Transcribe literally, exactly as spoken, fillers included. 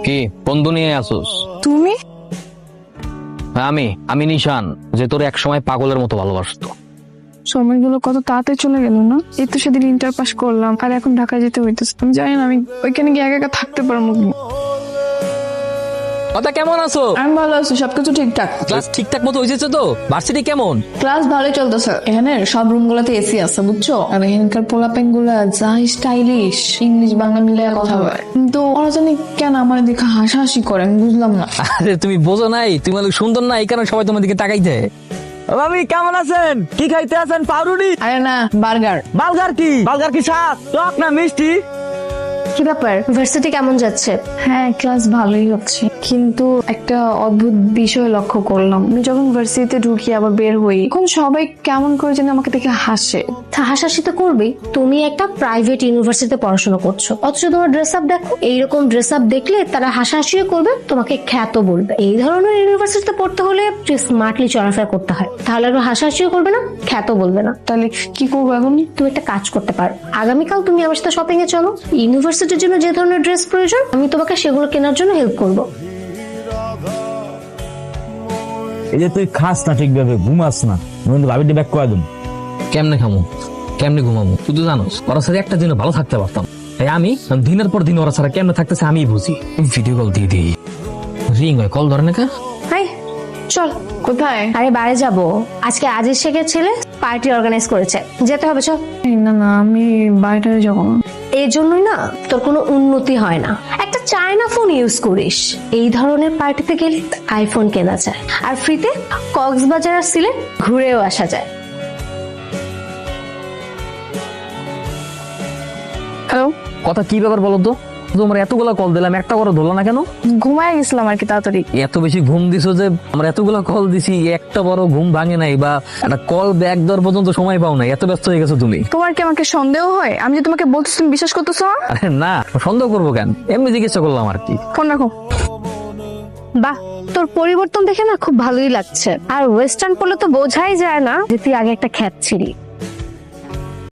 কি বন্ধু নিয়ে আসোস? তুমি? আমি আমি নিশান, যে তোর এক সময় পাগলের মতো ভালোবাসতো। সময়গুলো কত তাড়াতাড়ি চলে গেল না। এই তো সেদিন ইন্টার পাস করলাম আর এখন ঢাকায় যেতে হইতেছে। আমি জানি না আমি ওইখানে গিয়ে একা একা থাকতে পারবো কি। কথা কেমন আছো? আমি ভালো আছি, সবকিছু ঠিকঠাক। ক্লাস ঠিকঠাক মতো হয়েছে তো? ভার্সিটি কেমন? ক্লাস ভালোই চলতেছে। এখানে সব রুম গুলাতে এসি আছে বুঝছো। আর এখানকার পোলাপেন গুলা যা স্টাইলিশ, ইংলিশ বাংলা মিলে কথা বলে, কিন্তু ওরা জানি কেন আমার দেখে হাসাহাসি করে, আমি বুঝলাম না। আরে তুমি বোঝো নাই, তুমি অনেক সুন্দর না, এই কারণে সবাই তোমার দিকে তাকাইতে। ভাবি কেমন আছেন? কি খাইতে আছেন? পাউরুটি? আরে না, বার্গার। বালগার কি? বালগার কি স্বাদ? টক না মিষ্টি? কি ব্যাপার, ভার্সিটি কেমন যাচ্ছে? হ্যাঁ, ক্লাস ভালোই হচ্ছে, কিন্তু একটা অদ্ভুত বিষয় লক্ষ্য করলাম। আমি যখন ভার্সিটিতে ঢুকি আবার বের হই, এখন সবাই কেমন করে যেন আমাকে দেখে হাসে। তা হাসাহাসি তো করবেই, তুমি একটা প্রাইভেট ইউনিভার্সিটিতে পড়াশোনা করছো, অথচ তোমার ড্রেস আপ দেখো। এইরকম ড্রেস আপ দেখলে তারা হাসাহাসিও করবে, তোমাকে খ্যাত বলবে। এই ধরনের ইউনিভার্সিটিতে পড়তে হলে স্মার্টলি চলাফেরা করতে হয়, তাহলে আর হাসাহাসিও করবে না, খ্যাত বলবে না। তাহলে কি করবো এখন? তুমি একটা কাজ করতে পারো, আগামীকাল তুমি আমার সাথে শপিং এ চলো। ইউনিভার্সিটির জন্য যে ধরনের ড্রেস প্রয়োজন আমি তোমাকে সেগুলো কেনার জন্য হেল্প করবো। এই যে তুই খাস না ঠিকভাবে, ঘুমাস না, নইলে ভাবিটি ব্যাক করে দেব। কেমনে খামো, কেমনে ঘুমাবো? তুই তো জানোস ওরা সাথে একটা দিনও ভালো থাকতে পারতাম। তাই আমি দিনের পর দিন ওরা ছাড়া কেমনে থাকতেছে আমি বুঝি। ভিডিও কল দিয়ে দিই, রিং হয়, কল ধরে না কা। হাই চল। কোথায়? আরে বাইরে যাব, আজকে আজিজ শেখের ছেলে পার্টি অর্গানাইজ করেছে, যেতে হবে চল। এই না না, আমি বাইরে যাবো না। এই জন্যই না তোর কোনো উন্নতি হয় না, একটা চায়না ফোন ইউজ করিস। এই ধরনের পার্টিতে গেলে আইফোন কেনা যায়, আর ফ্রিতে কক্সবাজার আর সিলেট ঘুরেও আসা যায়। হ্যালো, কথা কি ব্যাপার বলো তো? তোমার এতগুলা কল দিলাম, একটা করে ধরলো না কেন? ঘুমায় গেছিলাম আর কি তাড়াতাড়ি। এত বেশি ঘুম দিছো যে আমরা এতগুলা কল দিছি, একটা বড় ঘুম ভাঙে নাই, বা একটা কল ব্যাক দেওয়ার পর্যন্ত সময় পাও নাই, এত ব্যস্ত হয়ে গেছো তুমি। তোমার কি আমাকে সন্দেহ হয়? আমি যে তোমাকে বলতেছি তুমি বিশ্বাস করতেছো না? আরে না, সন্দেহ করবো কেন, এমনি জিজ্ঞাসা করলাম আর কি। ফোন রাখো। বাহ, তোর পরিবর্তন দেখে না খুব ভালোই লাগছে। আর ওয়েস্টার্ন পরলে তো বোঝাই যায় না যে তুই আগে একটা খ্যাত ছিলি।